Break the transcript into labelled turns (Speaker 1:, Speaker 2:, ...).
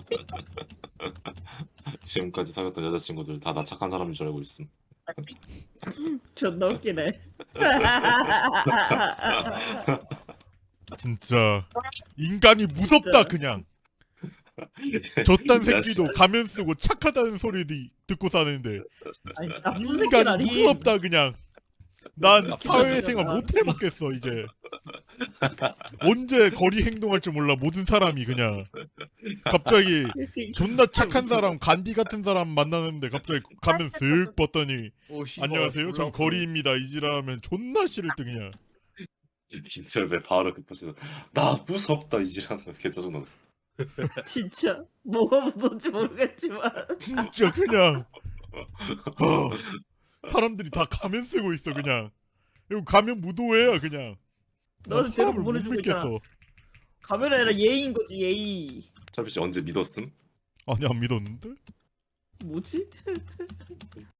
Speaker 1: 지금까지 사귀었던 여자친구들 다 나 착한 사람인 줄 알고 있음.
Speaker 2: 존나 웃기네.
Speaker 3: 진짜 인간이 무섭다 그냥. 저딴
Speaker 1: 이 자식.
Speaker 3: 새끼도 가면 쓰고 착하다는 소리 듣고 사는데
Speaker 2: 아니 나쁜
Speaker 3: 인간이
Speaker 2: 새끼라니.
Speaker 3: 무섭다 그냥. 난 사회생활
Speaker 2: 새끼잖아.
Speaker 3: 못 해먹겠어 이제. 언제 거리 행동할 줄 몰라 모든 사람이 그냥. 갑자기 존나 착한 사람 간디 같은 사람 만나는데 갑자기 가면 쓱 봤더니
Speaker 4: 오 씨발.
Speaker 3: 안녕하세요 전 거리입니다 이지라면 존나 싫을 때 그냥.
Speaker 1: 김철배 바로 급해서 나 무섭다 이지라는 거 개 짜증나.
Speaker 2: 진짜 뭐가 무서운지 모르겠지만
Speaker 3: 진짜 그냥 사람들이 다 가면 쓰고 있어 그냥. 이거 가면 무도회야 그냥. 나
Speaker 2: 너는 대놓고
Speaker 3: 사람을 못
Speaker 2: 보내주고 있잖아.
Speaker 3: 믿겠어.
Speaker 2: 카메라 아니라 예의인 거지 예의.
Speaker 1: 철배 씨 언제 믿었음?
Speaker 3: 아니 안 믿었는데?
Speaker 2: 뭐지?